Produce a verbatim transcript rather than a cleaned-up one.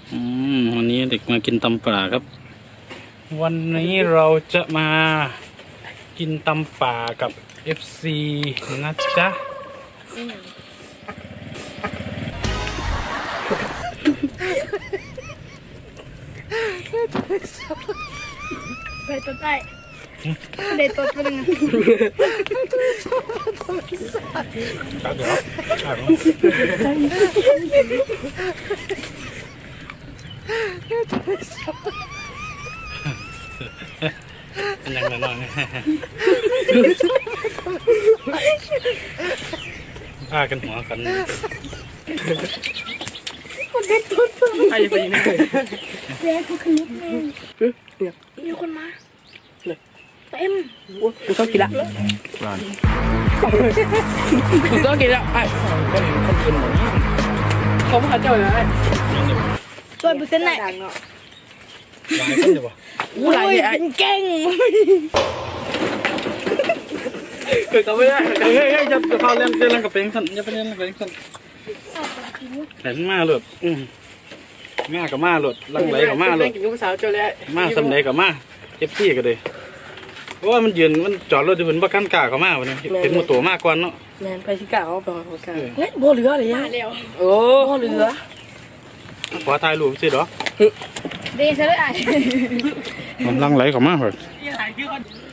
อืมวันนี้เด็กมากินตำป่าครับวันนี้เราจะมากินตำป่ากับ เอฟ ซี นะจ๊ะไปตัวใต้เด็ดตัวเป็นยังไงครับเดี๋ยวครับเป็นยังไงบ้างพากันหัวกันใครจะไปยิงได้แย่กูคือลูกแม่มีคนมาเต็มกูต้องกินละกูต้องกินละไอ้คนกินหมดเขาไม่เข้าใจเลยไอ้ตัวเปอร์เซ็นต์ไหนหลายคนอยู่ปะกูหลายไอ้เก่งเกิดกันไม่ได้เฮ้ยเฮ้ยจะเข้าเล่นเล่นกับเป็นสันจะไปเล่นกับเป็นสันแต่มาหลุดอืมมากับมาหลุดลังไหลกับมาหลุดกินลูกสาวเจ้าเลยมาสำเร็จกับมาเอฟซีกันเลยเพราะว่ามันยืนมันจอดรถอยู่บนบ้านกล้าเขามาวันนี้เป็นมือตัวมากกว่าเนาะแมนไปชิก้าเอาไปของกันเฮ้ยโบเหลือเลยมาแล้วโอ้เหลือขอถ่ายรูปสิเด้อเดซะเลยไอ้มันลังไหลกับมาเหรอยังหายชื่อคน